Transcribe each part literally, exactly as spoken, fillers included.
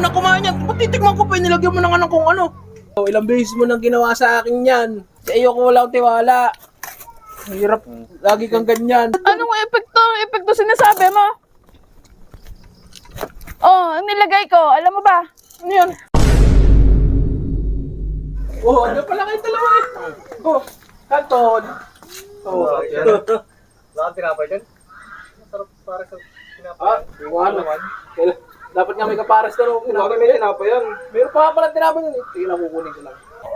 na kumain yan. Ba't titikman ko pa yun? Nilagyan mo na nga ng kung ano. Oh, ilang beses mo nang ginawa sa akin yan. Sa iyo ko walang tiwala. Hirap. Lagi kang ganyan. Anong epekto? Epekto sinasabi mo? Oh, ang nilagay ko. Alam mo ba? Ano yan? Oh, ano pala kayo dalawa eh? Oh, Kanton. Oh, Bakit tinapay dyan? Masarap para sa tinapay. ah, iwan naman. Kailan- Dapat nga may kapares na rin. Bakit may tinapay yan? Meron pa nga pala tinapay yun eh. Sige lang, kukunin ko lang.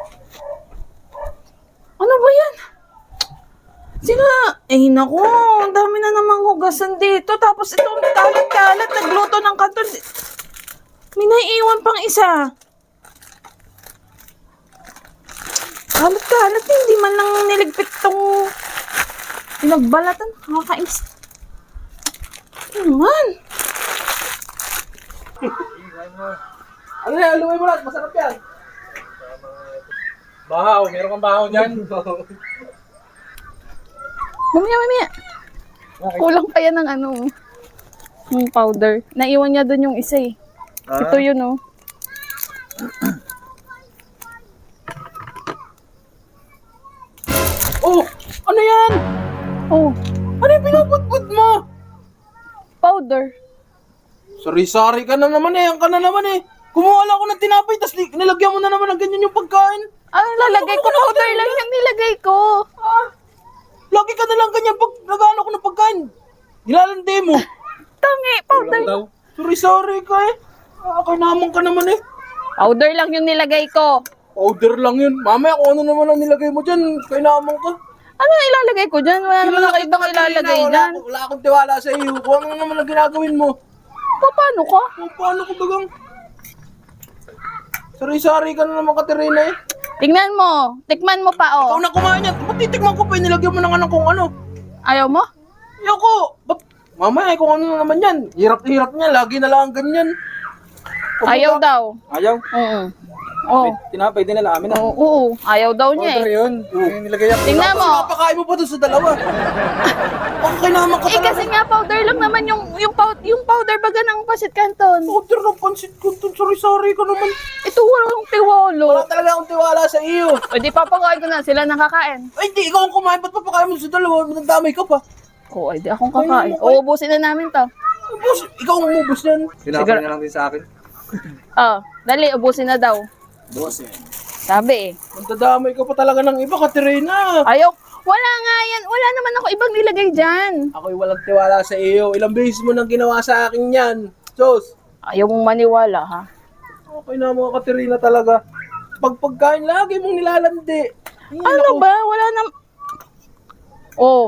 Ano ba yan? Sina, eh naku, ang dami na namang hugasan dito. Tapos itong kalat-kalat, nagluto ng kanton. May naiiwan pang isa. Kalat-kalat, hindi man lang niligpit tong pinagbalatan. Nakakainis. Ano naman? Ano yan? Lumay mo lang. Masarap yan. Bahaw, meron kang bahaw dyan. Mamaya, mamaya. Kulang pa yan ng ano, yung powder. Naiwan niya dun yung isa eh. Ah. Ito yun oh. Oh! Ano yan? Oh, Ano yung pinaputput mo? powder. Sari-sari ka na naman eh. Ang ka na naman eh. Kumuha lang ako ng tinapay, tapos ni- nilagyan mo na naman ng ganyan yung pagkain. Ano lalagay ko? Powder lang yung nilagay ko. Ah, lagi ka na lang ganyan pag nag-ano ko ng pagkain. Nilalandi mo. Tangi, powder. daw. Sorry-sorry ka eh. Ah, naman ka naman eh. Powder lang yung nilagay ko. Powder lang yun. Mamaya kung ano naman ang nilagay mo dyan, kainaman ka. Ano ilalagay ko dyan? Wala naman ako ibang ilalagay wala, dyan. wala akong tiwala sa iyo. Kung ano naman ang ginagawin mo. Pa, paano ka? Kung paano ko bagang... Sorry-sorry ka na naman, Katerina eh. Tingnan mo. Tikman mo pa Ikaw oh. na kumain yan. Ba't titikman ko pa yun? Nilagyan mo na nga ng kung ano. Ayaw mo? Ayoko. Ba't... Mamaya kung ano na naman yan. Hirap-hirap niya. Lagi na lang ganyan. Ayaw daw. Ayaw. Oo. Oh. Tinapay din na namin. Oo, oo. Ayaw daw niya Powder eh. yun. Yung nilagay ako. Tingnan mo. Napakain mo pa doon sa dalawa. Okay naman ka Eh talaga. kasi nga powder lang naman yung yung, pow, yung powder baga ng pasit canton. Powder ng pansit ko. Sorry-sorry ka naman. Ito walang tiwalo. Wala talaga akong tiwala sa iyo. O di papakain ko na sila nakakain. Ay, hindi. Ikaw ang kumain. Ba't papakain mo sa dalawa? Nagdamay ka pa. Oo, ay di akong kakain. Uubusin na namin to. Ubus. Ikaw ang umubos yan. Tinapay na lang din sa akin. Oh, dali, ubusin na daw. Boss eh. Sabi eh. Nagdadamay ka pa talaga ng iba, Katerina. Ayaw. Wala nga yan. Wala naman ako ibang nilagay dyan. Ako'y walang tiwala sa iyo. Ilang beses mo nang ginawa sa akin yan. Sos. Ayaw mong maniwala ha. Okay na mga Katerina talaga. Pag pagkain lagi mong nilalandi. Ay, Ano naku. ba? Wala na... Oh.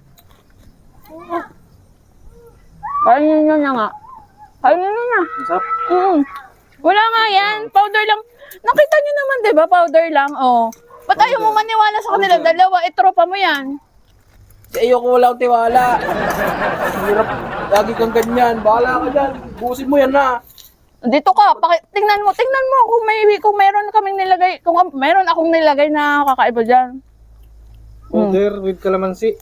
Kainin nyo na nga. Kainin nyo na. Masarap. Mm. Wala nga yan. Powder lang. Nakita nyo naman, di ba? Powder lang. Oh. Ba't ayaw mo maniwala sa kanila? Dalawa, itropa mo yan. Sa iyo ko walang tiwala. Hirap. Lagi kang ganyan. Bahala ka dyan. Busin mo yan na. Dito ka, paki- tingnan mo, tingnan mo kung may kung meron kaming nilagay, kung meron akong nilagay na kakaiba diyan. Powder with calamansi.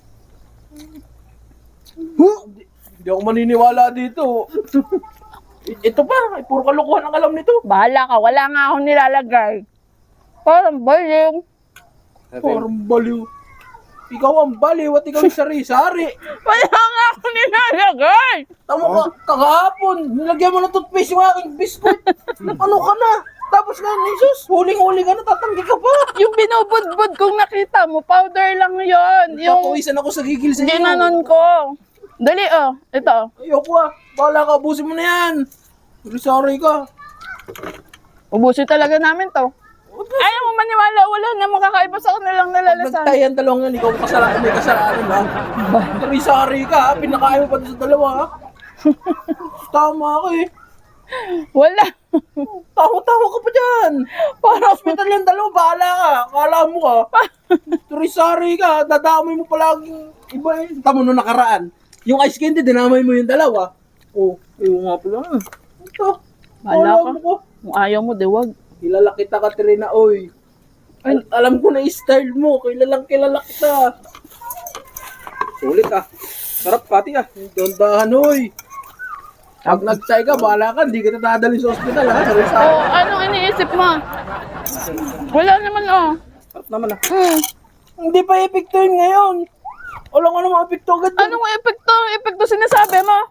Huh? Hindi, hindi ako maniniwala dito. I- Ito pa. Puro kalokohan ang alam nito. Bahala ka, wala nga akong nilalagay. Parang baling. Parang baliw. Ikaw ang baliw at ikaw yung sari-sari. Wala nga akong nilalagay. Tama ka, kakahapon, nilagyan mo ng toothpaste yung aking biskuit. Ano ka na? Tapos ngayon, Jesus, huling-huli ka na, tatanggi ka pa. Yung binubudbud kong nakita mo, powder lang yon. Yung Napawisan ako sa gigil sa iyo. ginanon ko. Dali oh, ito. Ayoko ah, bahala ka, abusin mo na yan. Sorry ka. Ubusin talaga namin to. Ayaw mo maniwala, wala na makakaiba sa kanilang nalalasan. Nagtayan dalawang yan, ikaw ang kasalanan, may kasalanan ha. Sorry ka, ha? Pinakain mo pa doon sa dalawa ha. Tama ka eh. Wala. Tawa-tawa ka pa dyan. Parang Hospital yung dalawa, bahala ka. Kala mo ka. Sorry ka, dadamay mo palaging iba eh. Tama nung nakaraan. Yung ice candy, dinamay mo yung dalawa. Oh, ayaw nga pala. Ito. Bahala Alam ka. mo ko. Kung ayaw mo, diwag. Kilala kita, Katrina, oy. Al- alam ko na yung style mo. Kilalang kilala kita. Sulit ah. Sarap pati ah. Dandahan, oy. Pag nag-try ka, bahala ka, hindi kita dadalhin sa ospital ha. Sabi sa Oh, anong iniisip mo? Wala naman, oh. sarap naman ah. Hmm. Hindi pa epekto yun ngayon. Wala nga naman epekto agad yun. Anong epekto? Epekto sinasabi mo?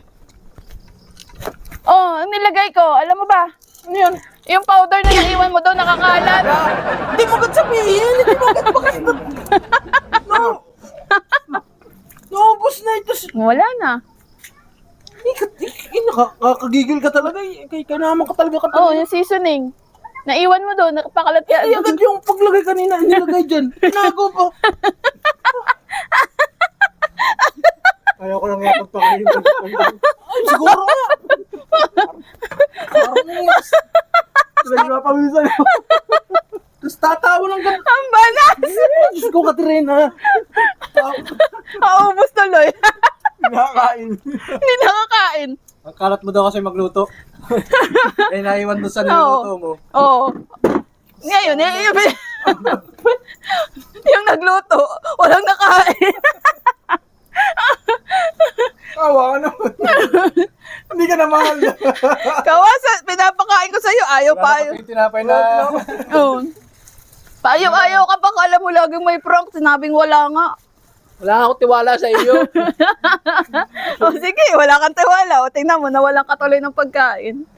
Oh, ang nilagay ko, alam mo ba? Ano yun? Yung powder na naiwan mo doon, nakakalat. Hindi mo agad sabihin. Hindi mo agad bakit. No. Naubos na ito. Wala na. Ikat, ik, nakakagigil ka talaga. eh. Kay ka naman ka talaga ka Oh, talaga. yung seasoning. Naiwan mo doon, nakapakalat ka. Ay, agad yung paglagay kanina, nilagay dyan. Tinago pa. Ayaw ko lang nga pagpakain. Ay, siguro nga. Parang mas. Nagpapawisan ako. Tapos tatawa ng ganun. Ang banas! Diyos ko, Katrina. Maubos tuloy. Nakakain. Hindi nakakain. Ang kalat mo daw kasi magluto. Eh, naiwan doon sa niluto mo. Oo. Ngayon, eh, yung, yung nagluto, walang nakain. Kawa ka naman. Hindi ka na mahal. Kawasa, pinapakain ko sa'yo, ayaw pa ayaw. Yung tinapay na... Oo. Ayaw-ayaw ka pa, kala mo laging may prank, sinabing wala nga. Wala akong tiwala sa iyo. O sige, wala kang tiwala. O tingnan mo, nawalan ka tuloy ng pagkain.